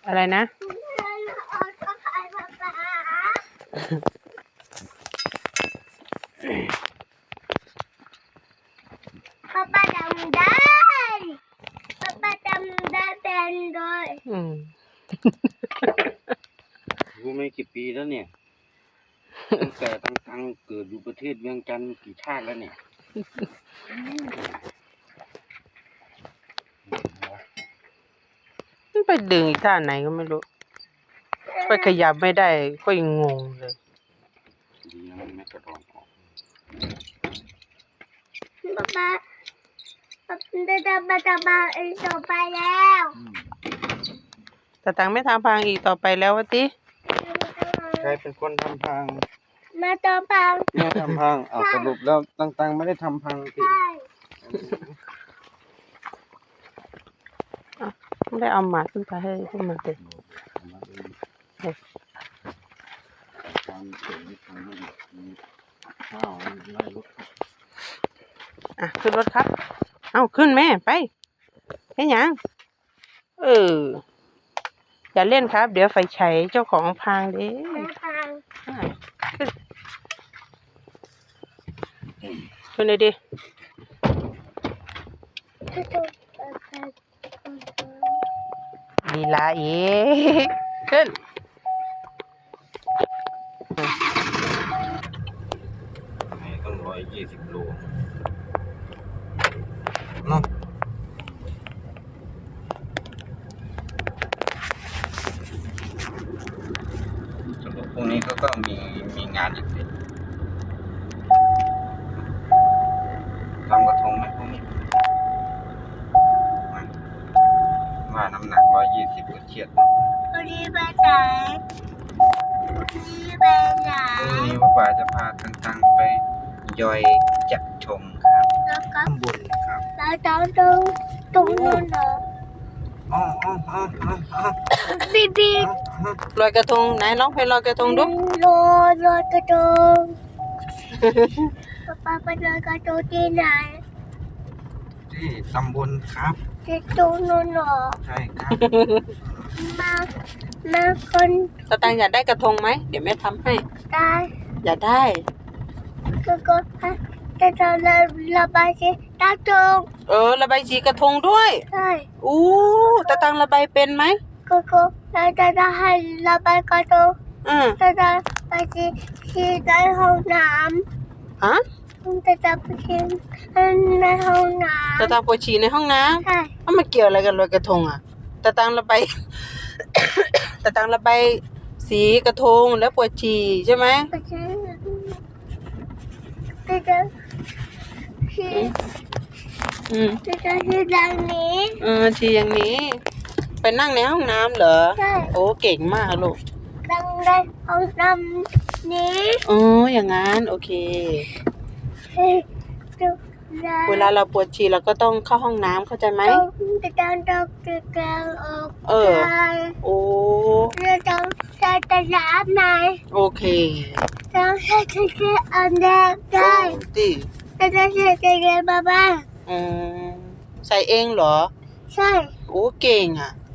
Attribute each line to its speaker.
Speaker 1: อะไรนะ
Speaker 2: ป๊าป๊าจำได้ป๊าป๊าจำได้เป็นด้วย
Speaker 3: รู้ไม่กี่ปีแล้วเนี่ยตั้งแต่ตั้งเกิดอยู่ประเทศเวียงจันทร์กี่ชาติแล้วเนี่ย
Speaker 1: ไปดึงอีกท่าไหนก็ไม่รู้ไปขยับไม่ได้ก็ยังงงเลย
Speaker 3: ดีนะมันไม่กระดองออก
Speaker 2: ป๊าป๊าป๊าอีกต่อไปแล้ว
Speaker 1: แต่ตังไม่ทำพังอีกต่อไปแล้ววะติ
Speaker 3: ใครเป็นคนทำพัง
Speaker 2: มาต่อพัง
Speaker 3: แม่ทำพังเอาสรุปแล้วตั้งไม่ได้ทำพังสิ
Speaker 1: ไม่ได้เอาหมาขึ้นไปให้พวกมันเลยขึ้นรถครับเอาขึ้นแม่ไปให้ยังอย่าเล่นครับเดี๋ยวไฟฉายเจ้าของพังเด้ขึ้นเลยดิลีลาอีกขึ้น
Speaker 3: ต้อง120 โลเนาะสรุปพวกนี้เขาก็มีงานอีกทำกระทงไหมพวกนี้ว่าน้ำหนัก120ก็เครียด
Speaker 2: วันนี้ไปไหนวันนี้ไปไหน
Speaker 3: พรุ่งนี้ว่าป่าจะพาตังไปย่อยจัดชมครับ
Speaker 2: แล้วก็
Speaker 3: ข้างบนครับ
Speaker 2: แล้วตรงนู้นเหรอบี
Speaker 1: ลอยกระทงไหนร้องเพลงลอยกระทงดู
Speaker 2: ลอยกระทงป๊าไปลอยกระทงที่ไหน
Speaker 3: ที่ตำบลครับ
Speaker 2: ที่ตรงนู้นเหรอ
Speaker 3: ใช่ครับ
Speaker 2: มาคน
Speaker 1: ตาตังอยากได้กระทงไหมเดี๋ยวแม่ทำให้
Speaker 2: ได้
Speaker 1: อยากได้
Speaker 2: ก็จะระบายสีกระทง
Speaker 1: ระบายสีกระทงด้วย
Speaker 2: ใช่
Speaker 1: ตาตังระบายเป็นไหม
Speaker 2: ก็จะให้ระบายกระทงจะไปที่ในห้องน้ำจะไปที่ในห้องน้ำ
Speaker 1: ตาตังปวดฉี่ในห้องน้
Speaker 2: ำใช่
Speaker 1: มาเกี่ยวอะไรกันลอยกระทงอ่ะตาตังระบาย ตาตังระบายสีกระทงแล้วปวดฉี่ใช่ไหม
Speaker 2: จะฉี่อย่างนี้
Speaker 1: ฉี่อย่างนี้ไปนั่งในห้องน้ำเหรอ
Speaker 2: ใช่
Speaker 1: เก่งมากลูก
Speaker 2: นั่งในห้องน้ำนี้
Speaker 1: อย่างนั้นโอเคเวลาเราปวดฉี่เราก็ต้องเข้าห้องน้ำเข้าใจไหม
Speaker 2: ต้องใช้ตะน้ำไหม
Speaker 1: โอเค
Speaker 2: ต้องใช้อันแรกได้จะใช้ตะเกียบบ้าง
Speaker 1: ใส่เองเหรอ
Speaker 2: ใช่
Speaker 1: เก่งอ่ะ